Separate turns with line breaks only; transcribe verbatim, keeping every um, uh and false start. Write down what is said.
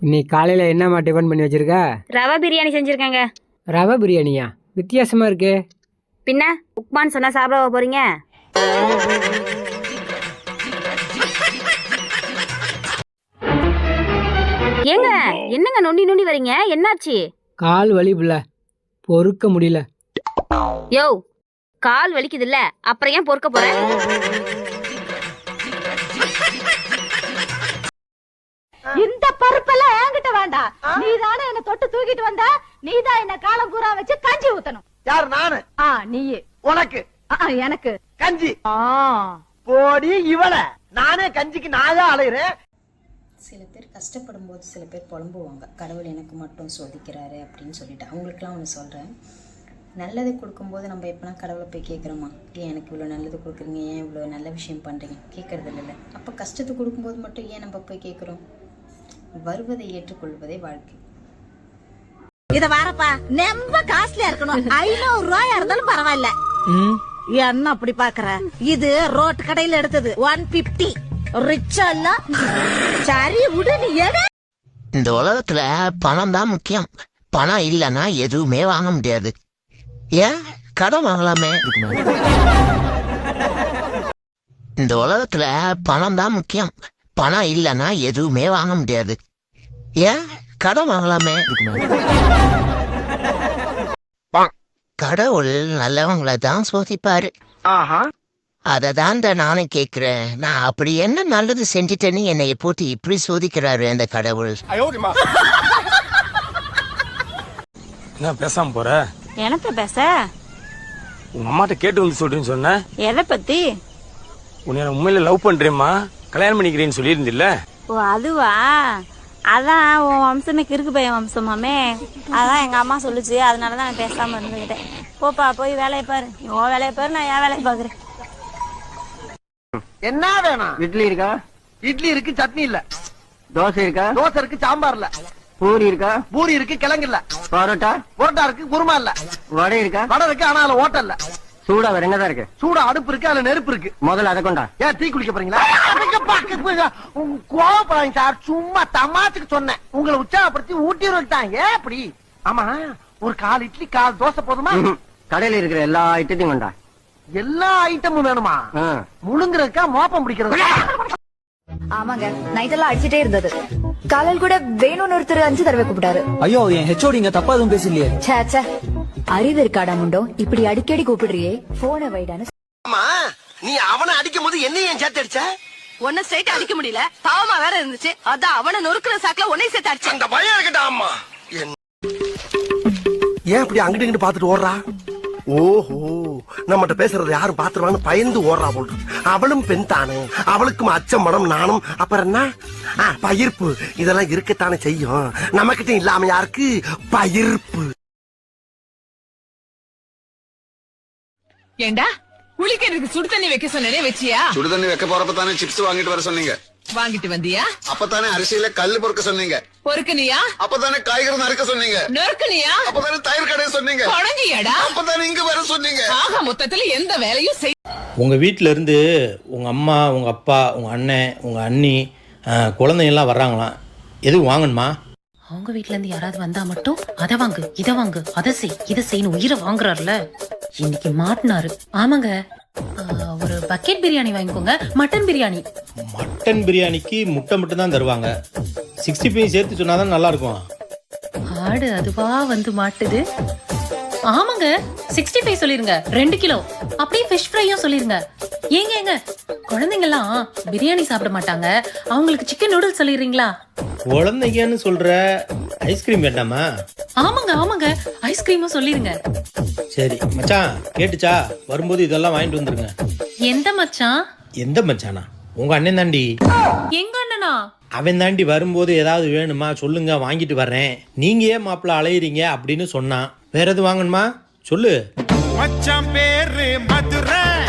இன்னைக்கு காலையில் என்னம்மா டிஃபன் பண்ணி வச்சிருக்க?
ரவா பிரியாணி செஞ்சுருக்கேங்க.
ரவை பிரியாணியா? வித்தியாசமாக இருக்கு.
பின்ன உப்மான்னு சொன்னால் சாப்பிட போகிறீங்க? ஏங்க என்னங்க நொண்டி நொண்டி வரீங்க? என்னாச்சு?
கால் வலி புள்ள, பொறுக்க முடியல.
யோ, கால் வலிக்குது இல்ல, அப்புறம் ஏன் பொறுக்க போற?
இந்த பருப்பெல்லாம் என்கிட்ட வேண்டாம். நீதானே என்ன தொட்டு தூக்கிட்டு வந்த. நீதான் என்ன காலம் பூரா வச்சு கஞ்சி ஊத்தணும்.
யார்? நானு.
ஆ நீயே.
உனக்கு?
எனக்கு
கஞ்சி.
ஆ
போடி இவள. நானே கஞ்சிக்கு நாயா அலையிறேன்.
சில பேர் கஷ்டப்படும் போது சில பேர் புலம்புவாங்க, கடவுள் எனக்கு மட்டும் சோதிக்கிறாரு அப்படின்னு சொல்லிட்டு. அவங்களுக்குலாம் ஒன்று சொல்கிறேன், நல்லது கொடுக்கும்போது நம்ம எப்போனா கடவுளை போய் கேட்குறோமா, ஏன் எனக்கு இவ்வளோ நல்லது கொடுக்குறீங்க, ஏன் இவ்வளோ நல்ல விஷயம் பண்ணுறீங்க, கேட்குறது இல்லை. அப்போ கஷ்டத்தை கொடுக்கும்போது மட்டும் ஏன் நம்ம போய் கேட்குறோம்? வருவதை ஏற்றுக்கொள்வதே வாழ்க்கை.
இத வாரப்பா, ரொம்ப காஸ்ட்லியா இருக்கணும். ஐநூறு ரூபாயா இருந்தாலும் பரவாயில்ல. என்ன அப்படி பாக்குற? இது ரோட் கடையில எடுத்தது ஒன் பிப்டி. ரிச்சா இல்ல? சரி விடு, நீ எடு.
இந்த உலகத்துல பணம் தான் முக்கியம். பணம் இல்லைன்னா எதுவுமே வாங்க முடியாது. ஏன் கடன் வாங்கலாமே? இந்த உலகத்துல பணம் தான் முக்கியம். பணம் இல்லைன்னா எதுவுமே வாங்க முடியாது. ஏன் கடன் வாங்கலாமே? கடவுள் நல்லவங்களை தான் சோதிப்பாரு. அதை தான் நானும் கேட்கிறேன். நான் அப்படி என்ன நல்லது செஞ்சுட்டேன்னு என்னை போட்டு இப்படி சோதிக்கிறாரு அந்த கடவுள்.
என்ன பேசாம போற?
எனக்கு பேச
உங்க அம்மாட்ட கேட்டு வந்து சொல்றேன்னு சொன்ன.
எதை பத்தி?
உன்னை உண்மையில லவ் பண்றேம்மா, கல்யாணம் பண்ணிக்கிறேன்னு சொல்லியிருந்தில்ல.
ஓ அதுவா? அதான் உன் வம்சமே கிறுக்கு பையன் வம்சமாமே. அதான் எங்க அம்மா சொல்லுச்சு, அதனாலதான் நான் பேசாம இருந்துகிட்டேன். போப்பா போய் வேலையை பாரு. உன் வேலையை பாரு, நான் என் வேலையை பாக்குறேன்.
என்ன வேணும்?
இட்லி இருக்கா?
இட்லி இருக்கு, சட்னி இல்ல.
தோசை இருக்கா?
தோசை இருக்கு, சாம்பார் இல்ல.
பூரி இருக்கா?
பூரி இருக்கு, கிழங்கு இல்ல.
பரோட்டா?
புரோட்டா இருக்கு, குருமா இல்ல.
வடை இருக்கா?
வடை இருக்கு, ஆனா அதுல ஓட்டல் இல்ல.
சூடா வேற என்னதான் இருக்கு?
சூடா அடுப்பு இருக்கு, அதுல நெருப்பு இருக்கு.
முதல்ல அதை கொண்டா.
ஏன் டீ குடிக்க போறீங்களா? கோவப்படாதீங்க சார், சும்மா தமாச்சுக்கு சொன்னேன். உங்களை உற்சாகப்படுத்தி ஊட்டி விட்டாங்க. ஏன் அப்படி? ஆமா, ஒரு கால் இட்லி கால் தோசை போதுமா?
கடையில இருக்கிற எல்லா ஐட்டத்தையும் கொண்டா.
எல்லா ஐட்டமும் வேணுமா? முழுங்குறதுக்கா மோப்பம் பிடிக்கிறது?
ஆமாங்க, நைட் எல்லாம் அடிச்சிட்டே இருந்தது. காலையில் கூட வேணும்னு ஒருத்தர் அஞ்சு தடவை கூப்பிட்டாரு.
ஐயோ, என் ஹெச்ஓடிங்க தப்பா எதுவும் பேசலையே.
சே சே, அறிவு இருக்காடா முண்டோ, இப்படி அடிக்கடி கூப்பிடுறியே, போன வைடான்னு.
ஆமா, நீ அவனை அடிக்கும் போது என்ன ஏன் சேர்த்து அடிச்ச?
ஒன்ன ஸ்ட்ரைட் அடிக்க முடியல, பாவமா வேற இருந்துச்சு. அதான் அவனை நொறுக்குற சாக்குல உன்னை சேர்த்து அடிச்சு.
அந்த பயம் இருக்கட்டா. அம்மா ஏன் இப்படி அங்கிட்டு இங்கிட்டு பாத்துட்டு ஓடுறா? ஓஹோ, நம்மகிட்ட பேசுறது யாரும் பாத்துருவான்னு பயந்து ஓடுறா போட்டு. அவளும் பெண் தானே, அவளுக்கும் அச்சம் மடம் நானும். அப்புறம் என்ன பயிர்ப்பு, இதெல்லாம் இருக்கத்தானே செய்யும். நம்ம கிட்ட இல்லாம யாருக்கு பயிர்ப்பு?
ஏண்டா குளிக்கிறதுக்கு சுடு தண்ணி வைக்க சொன்னே, வச்சியா?
சுடு தண்ணி வைக்க போறப்ப தானே சிப்ஸ் வாங்கிட்டு வர சொன்னீங்க.
வாங்கிட்டு வந்தியா?
அப்பதானே அரிசியில கல்லு பொறுக்க சொன்னீங்க.
பொறுக்குனியா?
அப்பதானே காய்கறி நறுக்க சொன்னீங்க.
நறுக்குனியா?
அப்பதானே தயிர் கடைய சொன்னீங்க.
தொடங்கியாடா?
அப்பதானே இங்க வர சொன்னீங்க.
ஆக மொத்தத்துல எந்த வேலையும் செய்.
உங்க வீட்டுல இருந்து உங்க அம்மா, உங்க அப்பா, உங்க அண்ணன், உங்க அண்ணி, குழந்தைங்க எல்லாம் வர்றாங்களாம். எதுவும் வாங்கணுமா?
அவங்க வீட்டுல இருந்து யாராவது வந்தா மட்டும் அதை வாங்கு, இதை வாங்கு, அதை செய், இதை செய்யணும் உயிரை வாங்குறாருல. இன்னைக்கு மாட்டினாரு. ஆமாங்க, ஒரு பக்கெட் பிரியாணி வாங்கிக்கோங்க. மட்டன் பிரியாணி.
மட்டன் பிரியாணிக்கு முட்டை மட்டும் தான் தருவாங்க. சிக்ஸ்டி ஃபைவ் சேர்த்து சொன்னாதான் நல்லா இருக்கும்.
ஆடு அதுவா வந்து மாட்டுது. ஆமாங்க, சிக்ஸ்டி ஃபைவ் சொல்லிருங்க, ரெண்டு கிலோ. அப்படியே ஃபிஷ் ஃப்ரையும் சொல்லிருங்க. ஏங்க ஏங்க, குழந்தைங்க எல்லாம் பிரியாணி சாப்பிட மாட்டாங்க, அவங்களுக்கு சிக்கன் நூடுல்ஸ் சொல்லிடுறீங்களா?
குழந்தைங்கன்னு சொல்ற, ஐஸ்கிரீம் வேண்டாமா?
ஆமாங்க ஆமாங்க, ஐஸ்கிரீமும் சொல்லிருங்க.
சரி மச்சான், கேட்டுச்சா? வரும்போது இதெல்லாம் வாங்கிட்டு வந்துருங்க.
எந்த மச்சான்?
எந்த மச்சானா? உங்க அண்ணன் தாண்டி.
எங்க அண்ணனா?
அவன் தாண்டி வரும்போது ஏதாவது வேணுமா சொல்லுங்க, வாங்கிட்டு வர்றேன். நீங்க ஏன் மாப்பிள்ள அலையிறீங்க அப்படின்னு சொன்னான். வேற எது வாங்கணுமா சொல்லு.
மச்சான் பேரு மதுரை.